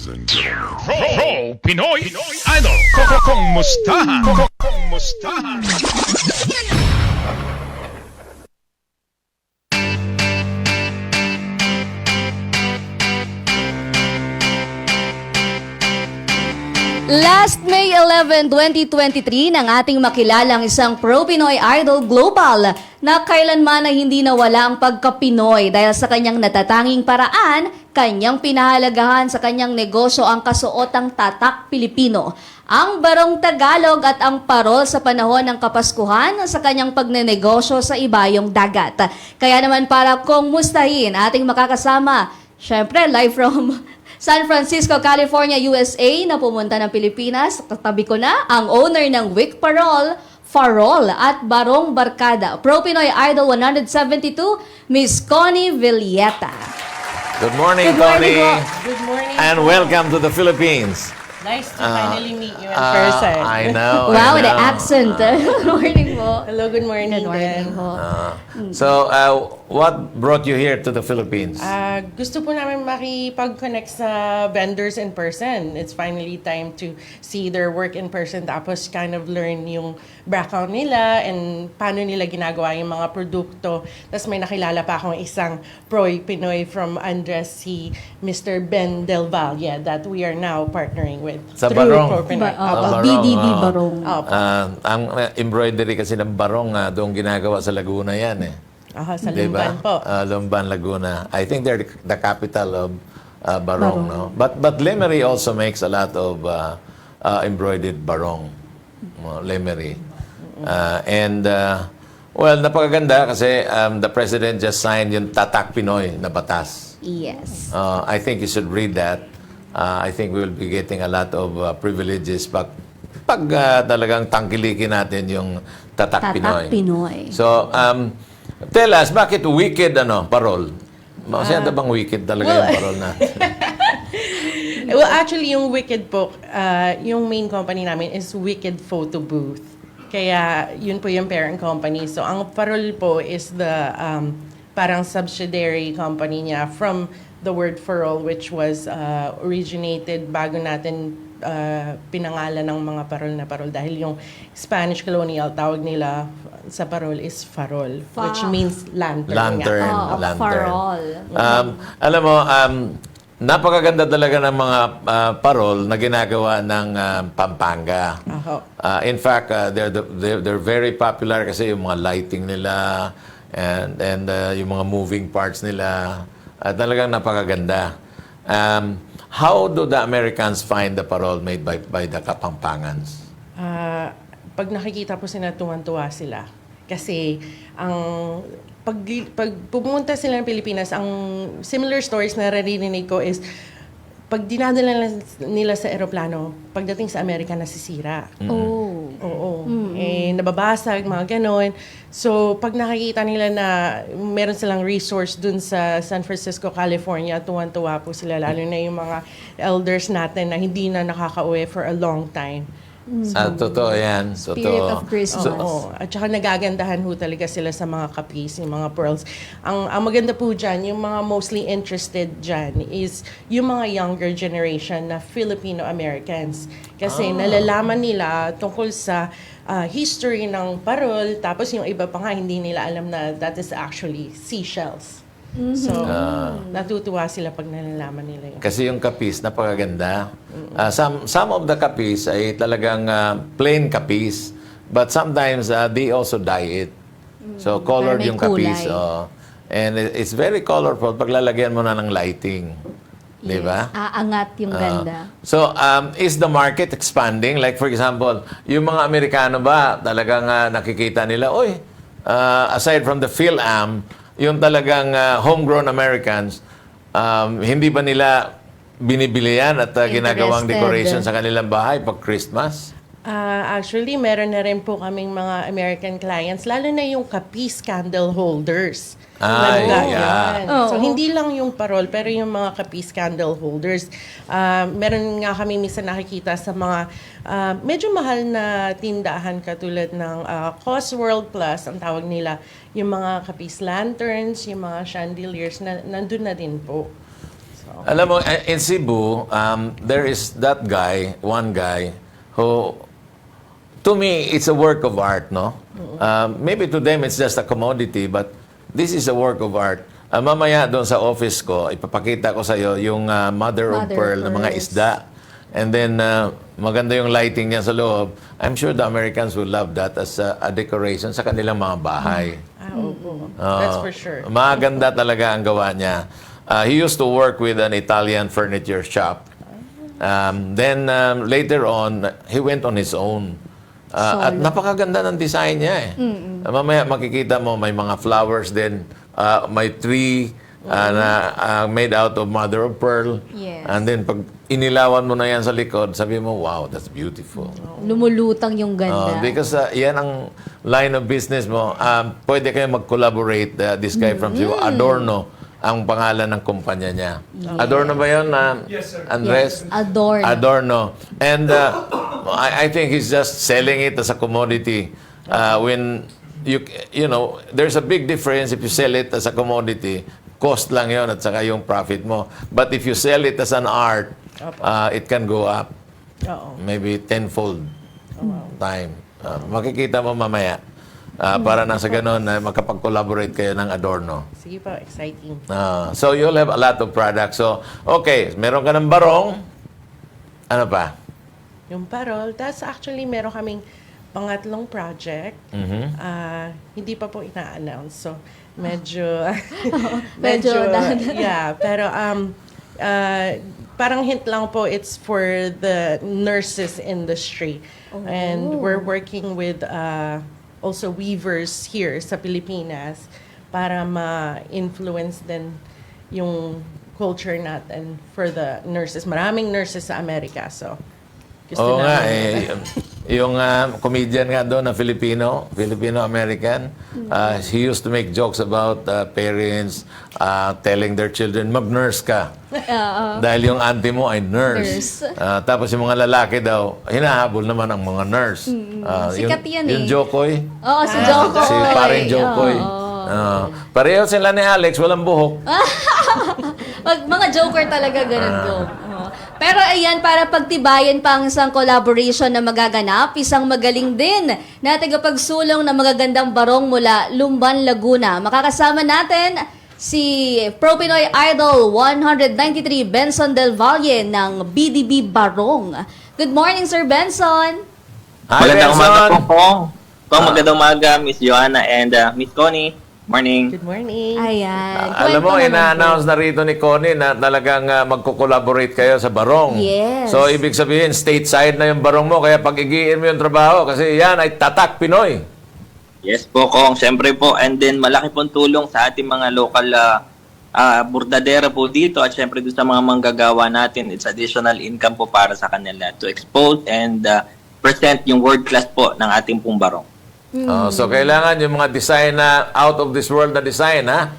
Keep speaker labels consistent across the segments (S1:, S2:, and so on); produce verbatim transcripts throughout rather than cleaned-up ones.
S1: Ladies and gentlemen.
S2: Pro, Pro Pinoy, Idol. Koko kong mustahan. Koko kong mustahan.
S3: Last May eleventh, twenty twenty-three, nang ating makilalang isang pro-Pinoy idol global na kailanman ay hindi nawala ang pagka-Pinoy dahil sa kanyang natatanging paraan, kanyang pinahalagahan sa kanyang negosyo ang kasuotang tatak Pilipino, ang barong Tagalog at ang parol sa panahon ng Kapaskuhan sa kanyang pagnenegosyo sa ibayong dagat. Kaya naman para kung mustahin ating makakasama, syempre live from San Francisco, California, U S A na pumunta ng Pilipinas. Katabi ko na ang owner ng Wick Parol, Farol at Barong Barkada, Pro Pinoy Idol one seventy-two, Miss Connie Villeta.
S4: Good morning,
S3: Good morning
S4: Connie.
S3: po.
S5: Good morning.
S4: And
S5: po.
S4: welcome to the Philippines.
S5: Nice to
S4: Uh,
S5: finally meet you in
S4: uh,
S5: person.
S4: I know.
S3: Wow,
S4: I
S3: the
S4: know.
S3: accent. Good morning po.
S5: Hello, good morning.
S3: Good morning
S5: din.
S3: po.
S4: Uh, so, uh, what brought you here to the Philippines?
S5: Ah, gusto po namin makipag-connect sa vendors in person. It's finally time to see their work in person, tapos kind of learn yung background nila and paano nila ginagawa yung mga produkto. Tapos may nakilala pa akong isang Proy Pinoy from Andres, si Mister Ben Del Valle, that we are now partnering with.
S4: Sa
S5: through
S4: Barong.
S5: Proy Pinoy.
S3: Ba-
S4: Ah,
S3: opo,
S4: Barong,
S3: B D B
S4: ah.
S3: Barong.
S5: Opo.
S4: Uh, ang uh, embroidery kasi ng barong, uh, doon ginagawa sa Laguna yan eh.
S5: Aha, sa
S4: Diba?
S5: Lumban po.
S4: Uh, Lumban, Laguna. I think they're the capital of uh, barong, no? But but Lemery also makes a lot of uh, uh, embroidered barong. Uh, Lemery. Uh, and, uh, well, napakaganda kasi um, the President just signed yung Tatak Pinoy na batas.
S3: Yes.
S4: Uh, I think you should read that. Uh, I think we will be getting a lot of uh, privileges pag, pag uh, talagang tangkilikin natin yung Tatak,
S3: Tatak
S4: Pinoy.
S3: Pinoy.
S4: So, um, tell us, bakit wicked ano, parol? Masyado bang wicked talaga
S5: well,
S4: yung parol natin?
S5: Well, actually, yung Wicked po, uh, yung main company namin is Wicked Photo Booth. Kaya, yun po yung parent company. So, ang Parol po is the um, parang subsidiary company niya from the word Farol, which was uh, originated bago natin uh, pinangalan ng mga parol na parol. Dahil yung Spanish colonial, tawag nila sa parol is farol,
S3: Fa-
S5: which means lantern.
S4: Lantern.
S5: nga.
S3: Oh,
S4: lantern.
S3: Farol.
S4: Um, alam mo, um, napakaganda talaga ng mga uh, parol na ginagawa ng uh, Pampanga.
S5: Aho.
S4: Uh, in fact, uh, they're, the, they're, they're very popular kasi yung mga lighting nila and, and uh, yung mga moving parts nila. Uh, talagang napakaganda. Um, how do the Americans find the parol made by, by the Kapampangans?
S5: Ah, pag nakikita po sila, tuwan-tuwa sila. Kasi ang pag, pag pumunta sila ng Pilipinas, ang similar stories na naririnig ko is pag dinadala nila sa eroplano, pagdating sa Amerika, nasisira.
S3: Oh.
S5: Oo. Eh, nababasag, mga ganon. So, pag nakikita nila na meron silang resource dun sa San Francisco, California, tuwan-tuwa po sila, lalo na yung mga elders natin na hindi na nakaka-uwi for a long time.
S4: Ah, totoo yan.
S3: Spirit
S4: Totoo.
S3: of Christmas.
S5: Oo. At saka nagagandahan ho talaga sila sa mga kapis, yung mga pearls. Ang, ang maganda po dyan, yung mga mostly interested dyan is yung mga younger generation na Filipino-Americans. Kasi nalalaman nila tungkol sa ah, history ng parol, tapos yung iba pa nga hindi nila alam na that is actually seashells. So, natutuwa sila pag nalalaman nila yun.
S4: Kasi yung kapis, napakaganda. Uh, some, some of the kapis ay talagang uh, plain kapis. But sometimes, uh, they also dye it. So, colored
S3: may
S4: yung kapis.
S3: kulay.
S4: Oh. And it- it's very colorful pag lalagyan mo na ng lighting. Di ba?
S3: Aangat yung ganda.
S4: So, um, is the market expanding? Like, for example, yung mga Amerikano ba, talagang uh, nakikita nila, oy, uh, aside from the PhilAm, yung talagang uh, homegrown Americans, um, hindi ba nila binibili yan at uh, ginagawang
S3: Interested.
S4: decoration sa kanilang bahay pag Christmas?
S5: Ah, actually, meron na rin po kaming mga American clients, lalo na yung kapis candle holders.
S4: Ay,
S5: Nagga-
S4: yeah.
S5: yan.
S3: Oo.
S5: So, hindi lang yung parol, pero yung mga kapis candle holders. Ah, meron nga kami minsan nakikita sa mga ah, medyo mahal na tindahan katulad ng uh, Cosworld Plus, ang tawag nila, yung mga kapis lanterns, yung mga chandeliers, na, nandun na din po. So,
S4: Alam mo, eh, in Cebu, um, there is that guy, one guy, who, to me, it's a work of art, no? Um, maybe to them, it's just a commodity, but this is a work of art. Ah, mamaya doon sa office ko, ipapakita ko sa iyo yung ah, mother, of
S3: Mother of
S4: pearl ng mga
S3: pearls.
S4: isda. And then, ah, maganda yung lighting niya sa loob. I'm sure the Americans will love that as a, a decoration sa kanilang mga bahay.
S5: Ah, opo.
S4: Oo.
S5: That's for sure.
S4: Maganda talaga ang gawa niya. Ah, he used to work with an Italian furniture shop. Um, then, um, later on, he went on his own. Ah, at napakaganda ng design niya eh. Ah, mamaya makikita mo may mga flowers din. Ah, may tree ah, na ah, made out of mother of pearl.
S3: Yes.
S4: And then pag inilawan mo na yan sa likod, sabi mo, wow, that's beautiful.
S3: Lumulutang yung
S4: Oh,
S3: ganda.
S4: because uh, yan ang line of business mo. Um, pwede kayo mag-collaborate. Uh, this guy from Cebu, Adorno, ang pangalan ng kumpanya niya. Adorno ba yun, uh, Andres?
S3: Yes, Adorno.
S4: Adorno. And uh, I, I think he's just selling it as a commodity. Uh, when you you know, there's a big difference if you sell it as a commodity. Cost lang yon at saka yung profit mo. But if you sell it as an art, uh, it can go up.
S5: Oo.
S4: Maybe tenfold time. Uh, makikita mo mamaya. Uh, para na sa ganun, na makapag-collaborate kayo ng Adorno.
S5: Sige po, exciting.
S4: Uh, so you'll have a lot of products. So, okay, meron ka ng barong. Ano pa?
S5: Yung parol. Tapos actually, meron kaming pangatlong project. Ah, hindi pa po ina-announce. So, medyo...
S3: Medyo dahan-
S5: yeah, pero um, ah, parang hint lang po, it's for the nurses industry. And we're working with uh, also weavers here sa Pilipinas para ma-influence din yung culture natin for the nurses. Maraming nurses sa Amerika, so gusto
S4: Oo nga,
S5: namin-
S4: eh, yung uh, comedian nga doon na Filipino, Filipino-American, uh, he used to make jokes about uh, parents uh, telling their children, mag-nurse ka. Dahil yung auntie mo ay nurse.
S3: Nurse.
S4: Uh, tapos yung mga lalaki daw, hinahabol naman ang mga nurse. Uh,
S3: Sikat yan
S4: yung
S3: eh.
S4: Jokoy.
S3: Oo, si Jokoy.
S4: Si paring Jokoy.
S3: Oo.
S4: Uh, pareho sila ni Alex, walang buhok.
S3: Mag, mga joker talaga ganun go. Oo. Pero ayan, para pagtibayan pa ang isang collaboration na magaganap, isang magaling din na tagapagsulong ng magagandang barong mula Lumban, Laguna. Makakasama natin si Pro Pinoy Idol one ninety-three Benson Del Valle ng B D B Barong. Good morning, Sir Benson.
S4: Hi,
S1: Magandang umaga
S4: Benson.
S1: po, Pong. Pong, magandang umaga, Miss Joanna and uh, Miss Connie. Morning.
S5: Good morning.
S3: Ayan.
S4: Ah, alam mo,
S3: Kwento naman
S4: ina-announce na rito ni Connie na talagang uh, magko-collaborate kayo sa barong.
S3: Yes.
S4: So, ibig sabihin, stateside na yung barong mo, kaya pag-igiin mo yung trabaho, kasi yan ay tatak Pinoy.
S1: Yes po, Kong. Siyempre po. And then, malaki pong tulong sa ating mga local uh, uh, burdadera po dito at siyempre doon sa mga manggagawa natin. It's additional income po para sa kanila to expose and uh, present yung world class po ng ating pong barong.
S4: Oh, so, kailangan yung mga design na out of this world na design, ha?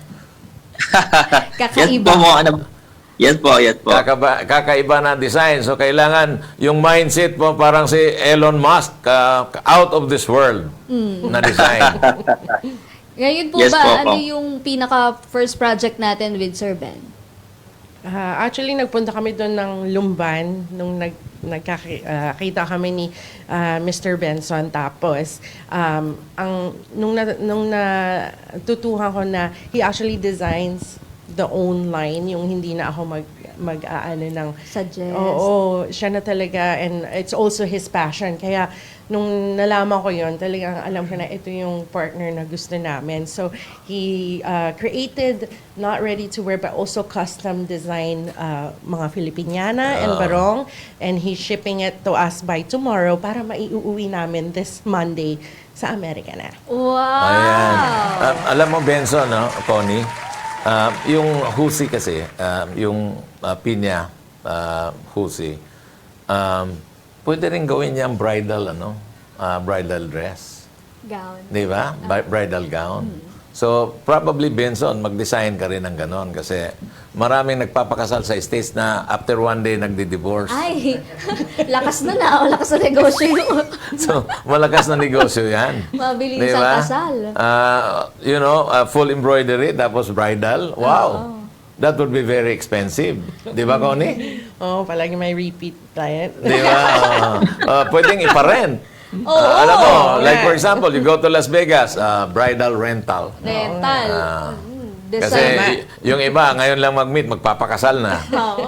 S1: Yes
S3: Kakaiba.
S1: po, mo, ano, yes po, yes po.
S4: Kakaba, kakaiba na design. So, kailangan yung mindset mo parang si Elon Musk, uh, out of this world na design.
S3: Ngayon po
S1: Yes
S3: ba,
S1: po,
S3: ano
S1: po.
S3: yung pinaka first project natin with Sir Ben?
S5: Ah, actually, nagpunta kami doon ng Lumban nung nag, nagkakita kami ni ah, Mister Benson. Tapos, um, ang, nung, na, nung natutuhan ko na he actually designs the own line, yung hindi na ako mag, mag-aano ng...
S3: Suggest.
S5: Oo, siya na talaga. And it's also his passion. Kaya, nung nalaman ko yon, talagang alam ko na ito yung partner na gusto namin. So, he uh, created not ready to wear but also custom design uh, mga Filipiniana and barong. And he's shipping it to us by tomorrow para maiuwi namin this Monday sa Amerika na.
S3: Wow!
S4: Ayan. Um, alam mo, Benson, no, Connie, um, yung husi kasi, um, yung uh, pinya uh, husi, um, pwede rin gawin niyang bridal, ano, uh, bridal dress.
S3: Gown.
S4: Di ba? Bi- Bridal gown. So, probably, Benson, mag-design ka rin ng ganon kasi maraming nagpapakasal sa States na after one day nagdi-divorce.
S3: Ay, lakas na na. O, lakas na negosyo yun.
S4: So, malakas na negosyo yan.
S3: Mabilis
S4: Di
S3: ang
S4: ba?
S3: kasal.
S4: Ah, you know, ah, full embroidery, tapos bridal. Wow! that would be very expensive. Di ba, Connie?
S5: Oh, palagi may repeat client.
S4: Di ba? Uh, uh, pwedeng iparent.
S3: Oo.
S4: Uh, alam mo, like
S5: Yeah.
S4: for example, you go to Las Vegas, uh, bridal rental.
S3: Rental.
S4: Ah.
S3: Mm,
S4: Kasi
S3: design.
S4: y- yung iba, ngayon lang mag-meet, magpapakasal na.
S3: Oo.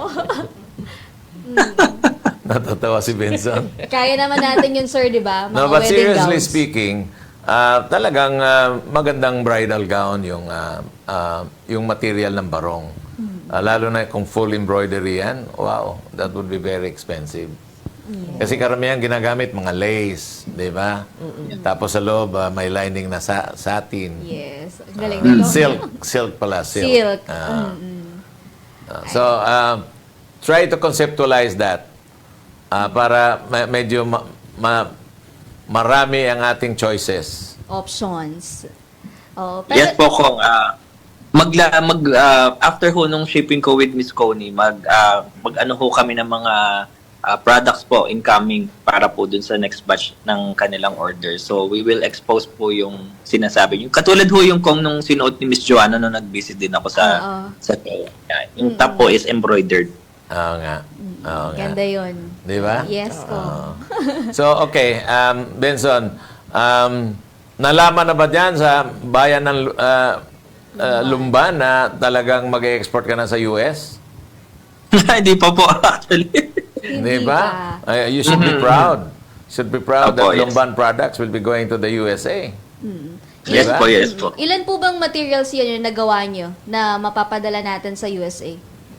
S4: Natatawa si Benson.
S3: Kaya naman natin yun, sir, di ba? Mga
S4: No, but
S3: wedding
S4: seriously
S3: gowns.
S4: speaking, ah, talagang ah, magandang bridal gown yung ah, ah, yung material ng barong. Ah, lalo na kung full embroidery yan, wow, that would be very expensive. Kasi karamihan ginagamit mga lace, di ba? Tapos sa loob, ah, may lining na sa satin.
S3: Yes. Ang galing nito.
S4: Silk, silk pala, silk.
S3: Silk.
S4: Ah. Ah, so, ah, try to conceptualize that ah, para ma- medyo ma- ma- marami ang ating choices.
S3: Options. Oh, pero,
S1: Yes po, Kong. ah magla, mag, ah, after ho nung shipping ko with Miss Coney, mag, ah, mag-ano ho kami ng mga ah, products po incoming para po dun sa next batch ng kanilang order. So, we will expose po yung sinasabi niyo. Katulad ho yung Kong nung sinuot ni Miss Joanna nung nag-visit din ako sa
S3: Oo.
S1: sa yeah, yung top po is embroidered.
S4: Oo nga. Oo nga.
S3: ganda yun.
S4: Di ba?
S3: Yes, ko.
S4: Oo. So, okay. Um, Benson, um, nalaman na ba dyan sa bayan ng uh, uh, Lumban na talagang mag-export ka na sa U S?
S1: Hindi pa po actually.
S4: Di ba? Uh, you should be proud. Should be proud
S1: Opo,
S4: that
S1: yes.
S4: Lumban products will be going to the U S A.
S1: Yes
S4: Diba?
S1: po, yes po.
S3: Ilan po bang materials yan yung nagawa nyo na mapapadala natin sa U S A?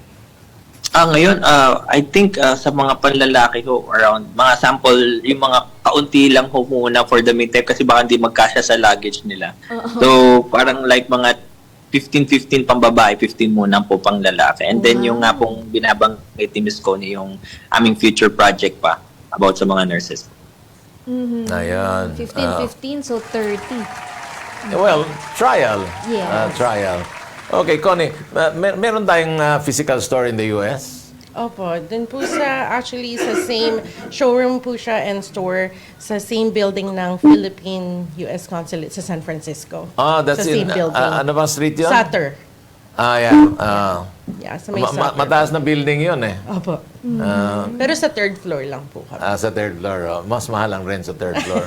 S1: Ah, ngayon, ah, I think ah, sa mga panlalaki ho, around mga sample, yung mga kaunti lang ho muna for the meantime kasi baka hindi magkasya sa luggage nila. So, parang like mga fifteen fifteen pang babae, fifteen muna po pang lalaki. And then yung nga pong binabanggit ni Miss Coney, yung aming future project pa about sa mga nurses.
S3: Mhm.
S4: Ayun.
S3: fifteen
S4: Ah.
S3: fifteen, so thirty.
S4: Well, trial.
S3: Yes.
S4: Uh, trial. Okay, Connie, uh, mer- meron tayong uh, physical store in the U S?
S5: Opo, dun po sa, actually, sa same showroom po siya and store sa same building ng Philippine U S Consulate sa San Francisco.
S4: Ah, that's
S5: sa
S4: in,
S5: same building.
S4: uh, ano bang street yun?
S5: Sutter.
S4: Ah, yeah. Ah.
S5: Yeah, sa may
S4: Ma- ma-
S5: Sutter.
S4: mataas na building yun eh.
S5: Opo.
S4: Ah,
S5: Pero sa third floor lang po kami.
S4: ah, sa third floor. Oh. Mas mahal ang rent sa third floor.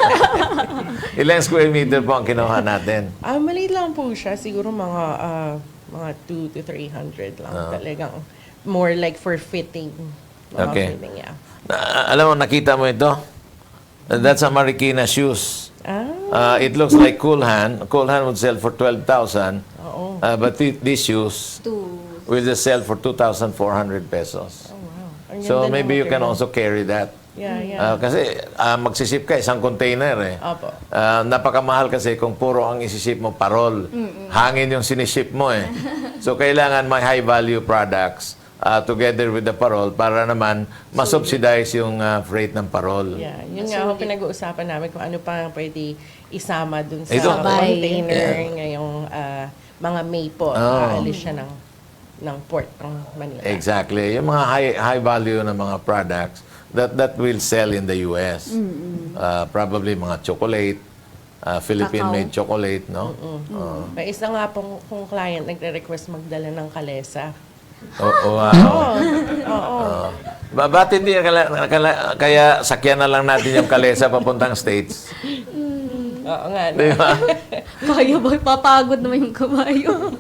S4: Ilang square meter po ang kinuha natin?
S5: Ah, maliit lang po siya. Siguro mga ah, mga two to three hundred lang.
S4: Ah.
S5: Talagang more like for fitting. Mga
S4: Okay.
S5: fitting, yeah.
S4: Na, alam mo, nakita mo ito? That's a Marikina shoes.
S5: Ah,
S4: Uh, it looks like Cool Hand. Cool Hand would sell for twelve thousand.
S5: oo.
S4: Uh, but th- these shoes
S3: Two.
S4: will just sell for two thousand four hundred pesos.
S5: Oh, wow. Ang
S4: So
S5: ganda ng
S4: maybe you can
S5: material.
S4: also carry that.
S5: Yeah, yeah.
S4: Uh, kasi uh, magsiship ka isang container eh.
S5: Opo.
S4: Uh, napakamahal kasi kung puro ang isiship mo parol. Hangin yung siniship mo eh. So kailangan may high value products uh, together with the parol para naman masubsidize yung uh, freight ng parol.
S5: Yeah, yun nga ho pinag-uusapan namin kung ano pa ang pwede isama dun sa
S4: Ito.
S3: Sabay.
S5: container
S4: Yeah.
S5: ngayong ah, mga May po.
S4: Oh.
S5: Aalis siya ng, ng port ng Manila.
S4: Exactly. Yung mga high high value na mga products that that will sell in the U S. Uh, probably mga chocolate, uh, Philippine-made chocolate, no? Uh,
S5: May isa nga pong kung client nagre-request magdala ng kalesa.
S4: oh, wow.
S5: Oo. Oo.
S4: Ba ba't hindi kala, kala- kaya sakyan na lang natin yung kalesa papuntang States?
S5: Oo nga. no?
S4: Di ba?
S3: Kaya ba? Papagod naman yung kabayo.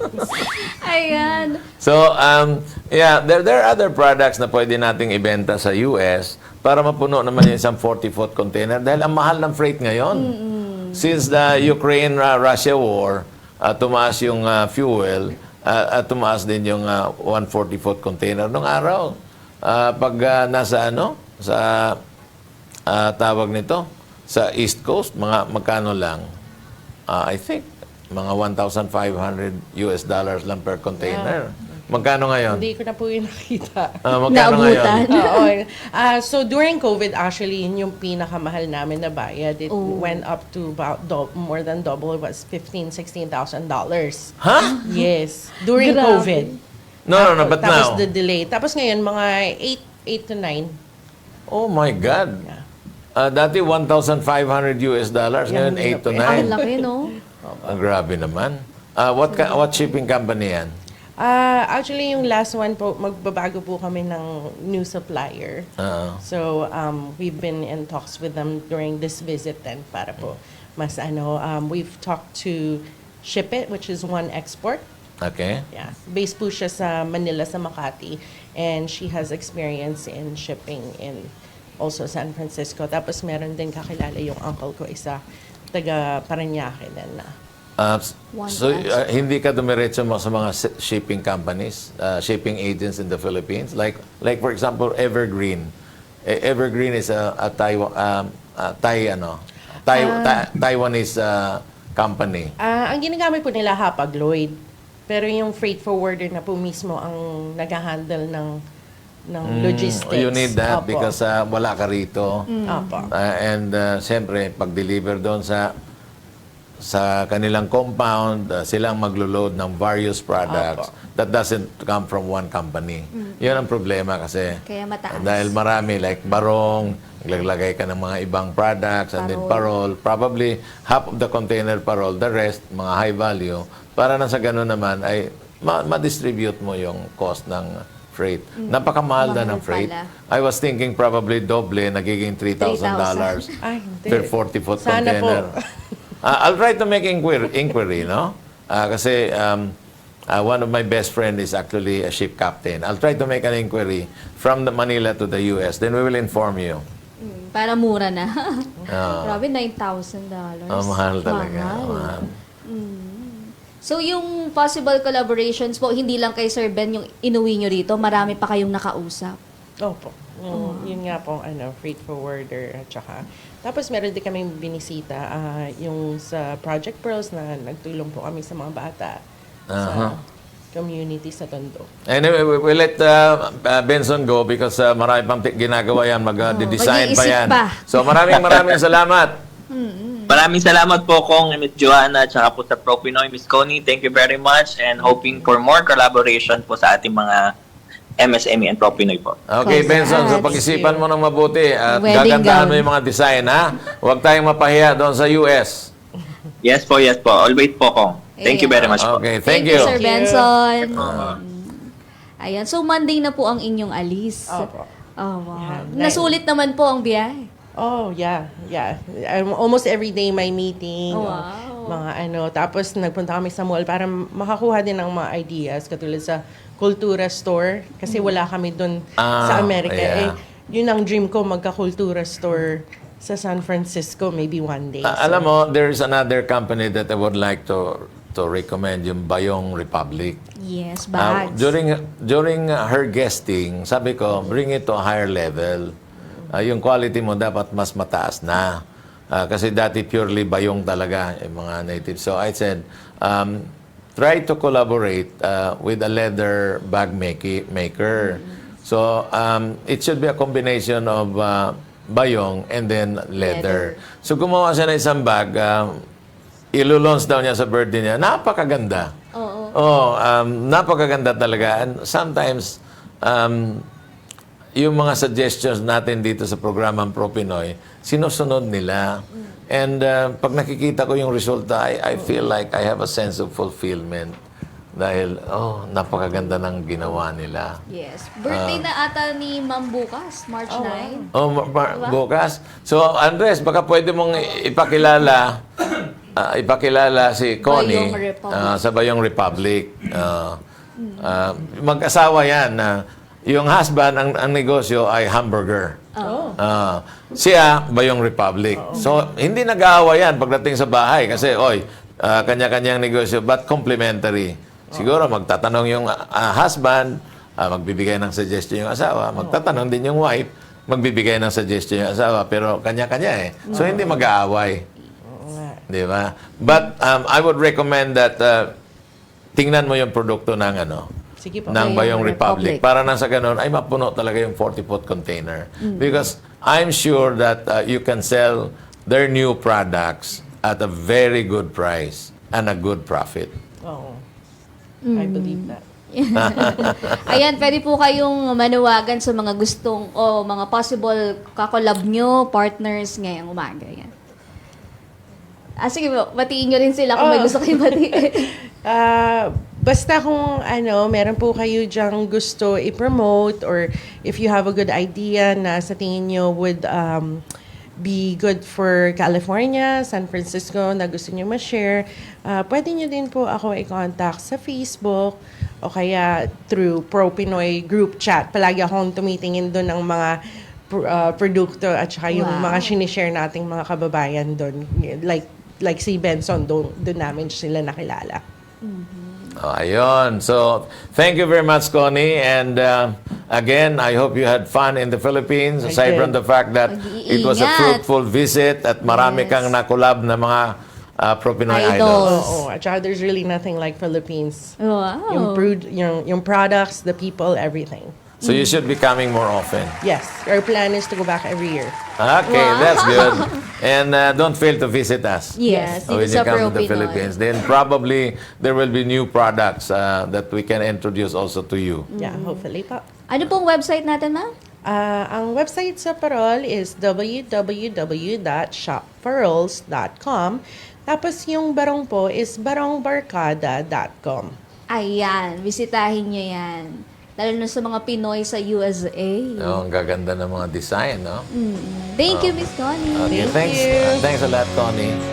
S3: Ayan.
S4: So, um, yeah, there, there are other products na pwede nating ibenta sa U S para mapuno naman yung isang forty-foot container dahil ang mahal ng freight ngayon. Since the Ukraine-Russia war, uh, tumaas yung uh, fuel, uh, at tumaas din yung uh, one forty-foot container nung araw. Uh, pag uh, nasa ano, sa uh, tawag nito, sa East Coast, mga magkano lang? Uh, I think, mga one thousand five hundred U S dollars lang per container. Magkano ngayon?
S5: Hindi ko na po yung nakita.
S4: Ah, magkano
S3: Naabutan.
S4: ngayon?
S5: Oo. Ah, so during COVID, actually, yun yung pinakamahal namin na bayad. It
S3: Oh.
S5: went up to about do- more than double. It was fifteen, sixteen thousand dollars.
S4: Ha?
S5: Yes. During
S3: Grabe.
S5: COVID.
S4: No, no, no, but
S5: Tapos
S4: now?
S5: the delay. Tapos ngayon, mga eight, eight to nine.
S4: Oh my God. Ah, dati one thousand five hundred U S dollars, ngayon
S5: Yan,
S4: eight to
S5: yan.
S3: Ang
S4: nine.
S3: laki, no?
S4: Ah, grabe naman. Ah, what ka, what shipping company yan?
S5: Ah, actually, yung last one po, magbabago po kami ng new supplier.
S4: Oo.
S5: So, um, we've been in talks with them during this visit then para po mas ano, um, we've talked to Ship It, which is One Export.
S4: Okay.
S5: Yeah. Based po siya sa Manila, sa Makati. And she has experience in shipping in also San Francisco. Tapos meron din kakilala yung uncle ko, isa taga Parañaque din na.
S4: Uh, s-
S3: One
S4: so,
S3: branch.
S4: uh, hindi ka dumiretso mo sa mga si- shipping companies, uh, shipping agents in the Philippines? Like, like for example, Evergreen. E- Evergreen is a, a Taiwan, um, uh, Thai, ano, Thai, Ta- Taiwanese uh, company.
S5: Ah, ang ginagamit po nila Hapag Lloyd. Pero yung freight forwarder na po mismo ang nag-handle ng ng logistics.
S4: You need that
S5: Opo.
S4: because uh, wala ka rito.
S5: Opo.
S4: Uh, and uh, siyempre, pag-deliver doon sa sa kanilang compound, uh, silang maglo-load ng various products that doesn't come from one company. Yun ang problema kasi.
S3: Kaya mataas.
S4: Dahil marami, like barong, naglalagay ka ng mga ibang products, and then parol. Probably half of the container parol, the rest, mga high value, para na sa ganun naman ay ma- ma-distribute mo yung cost ng freight. Napakamahal na
S3: Mahal
S4: ng freight.
S3: pala.
S4: I was thinking probably doble, nagiging three thousand dollars
S5: Ay, hindi.
S4: per forty-foot
S5: Sana
S4: container.
S5: po.
S4: Uh, I'll try to make inquiry, inquiry no? Uh, kasi um, uh, one of my best friend is actually a ship captain. I'll try to make an inquiry from the Manila to the U S. Then we will inform you.
S3: Mm, para mura na.
S4: Ah.
S3: Grabe, nine thousand dollars.
S4: Oh, mahal talaga.
S3: Mahal.
S4: Mahal.
S3: So, yung possible collaborations po, hindi lang kay Sir Ben yung inuwi nyo rito, marami pa kayong nakausap.
S5: Opo. Yung, yun nga pong ano, freight forwarder at saka. Tapos meron din kaming binisita ah, yung sa Project Pearls na nagtulong po kami sa mga bata
S4: Aha.
S5: sa community sa Tondo.
S4: Anyway, we, we let uh, uh, Benson go because uh, marami pang ti- ginagawa yan. Mag-design pa
S3: mag-iisip
S4: yan.
S3: pa.
S4: So maraming maraming salamat.
S1: Maraming salamat po kong Miss Joanna at saka po sa Pro Pinoy, Miss Connie. Thank you very much and hoping for more collaboration po sa ating mga M S M E and Pro Pinoy po.
S4: Okay, Benson, so
S3: Congrats.
S4: pag-isipan mo ng mabuti at
S3: Wedding
S4: gagandahan mo
S3: gown.
S4: yung mga design, ha? Huwag tayong mapahiya doon sa U S.
S1: Yes po, yes po. Always po kong. Thank you very much po.
S4: Okay, thank, you.
S3: Sir
S5: Thank you.
S3: Benson. Ayan, so Monday na po ang inyong alis.
S5: Opo.
S3: Oh, wow.
S5: Yeah.
S3: Nasulit naman po ang biyahe.
S5: Oh, yeah, yeah. Um, almost every day may meeting.
S3: Oh,
S5: o
S3: wow.
S5: Mga ano. Tapos nagpunta kami sa mall para makakuha din ng mga ideas katulad sa Kultura Store. Kasi wala kami dun
S4: Ah,
S5: sa Amerika.
S4: yeah.
S5: Eh, yun ang dream ko, magka-Kultura Store sa San Francisco maybe one day.
S4: Ah,
S5: So,
S4: alam mo, there is another company that I would like to to recommend, yung Bayong Republic.
S3: Yes,
S4: Ah,
S3: bags.
S4: during during her guesting, sabi ko, bring it to a higher level. Ah, yung quality mo dapat mas mataas na. Ah, kasi dati purely bayong talaga yung mga native. So I said, um, try to collaborate uh, with a leather bag make- maker. So um, it should be a combination of uh, bayong and then leather. So gumawa siya ng isang bag, um, ilo-launch daw niya sa birthday niya. Napakaganda.
S3: Oo.
S4: Oh, um, napakaganda talaga. And sometimes, um, yung mga suggestions natin dito sa programang Pro Pinoy, sinusunod nila. And uh, pag nakikita ko yung resulta, I, I feel like I have a sense of fulfillment. Dahil, oh, napakaganda ng ginawa nila.
S3: Yes. Birthday
S4: Ah.
S3: na ata ni Ma'am bukas, March ninth.
S4: Oh, ma- ma- bukas. So, Andres, baka pwede mong i- ipakilala ah, ipakilala si Connie
S3: Bayong Republic.
S4: ah, sa Bayong Republic. Ah, ah, mag-asawa yan. na yung husband, ang, ang negosyo ay hamburger.
S5: Oh.
S4: Ah, siya, Bayong Republic. So, hindi nag-aawa yan pagdating sa bahay kasi, oy, ah, kanya-kanyang negosyo, but complementary. Siguro, magtatanong yung ah, husband, ah, magbibigay ng suggestion yung asawa, magtatanong din yung wife, magbibigay ng suggestion yung asawa, pero kanya-kanya eh. So, hindi mag-aaway. Di ba? But um, I would recommend that uh, tingnan mo yung produkto ng ano,
S5: Sige po.
S4: ng
S3: Bayong
S4: Bayong Republic.
S3: Republic.
S4: Para nang sa ganun, ay mapuno talaga yung forty-foot container. Because I'm sure that uh, you can sell their new products at a very good price and a good profit.
S5: Oo. I believe that.
S3: Ayan, pwede po kayong manuwagan sa mga gustong o mga possible kakolab nyo, partners ngayong umaga. Yan. Ah, sige po, batiin nyo rin sila kung may
S5: Oh.
S3: gusto kayong batiin.
S5: Ah, basta kung ano, meron po kayo dyang gusto i-promote or if you have a good idea na sa tingin nyo would um, be good for California, San Francisco na gusto nyo ma-share, uh, pwede nyo din po ako i-contact sa Facebook o kaya through Pro Pinoy group chat. Palagi akong tumitingin doon ng mga pr- uh, produkto at saka yung
S3: Wow.
S5: mga sinishare nating mga kababayan doon. Like, like si Benson, doon, doon namin sila nakilala.
S4: Oh, ayun. So, thank you very much, Connie. And uh, again, I hope you had fun in the Philippines.
S5: I
S4: Aside
S5: did.
S4: from the fact that it was a
S3: Mag-iingat.
S4: fruitful visit at marami
S3: Yes.
S4: kang nakulab na mga uh, Pro-Pinoy
S3: Idols.
S4: idols.
S5: Oo, at saka there's really nothing like Philippines.
S3: Wow.
S5: Yung, prood, yung, yung products, the people, everything.
S4: So you should be coming more often.
S5: Yes, our plan is to go back every year.
S4: Okay,
S3: Wow.
S4: that's good. And uh, don't fail to visit us.
S3: Yes,
S4: Oh,
S3: dito
S4: when
S3: sa
S4: you come
S3: Pro
S4: to the
S3: Pinoy.
S4: Philippines. Then probably there will be new products uh, that we can introduce also to you.
S5: Yeah, hopefully pa.
S3: Ano pong website natin, ma'am?
S5: Ah, ang website sa Parol is w w w dot shop parols dot com. Tapos yung barong po is barongbarkada dot com.
S3: Ayan, bisitahin nyo yan. Lalo na sa mga Pinoy sa U S A.
S4: Oh, ang gaganda ng mga design, no?
S3: Thank you, Miss Connie.
S4: Okay,
S5: Thank
S4: thanks.
S5: you.
S4: uh, thanks a lot, Connie.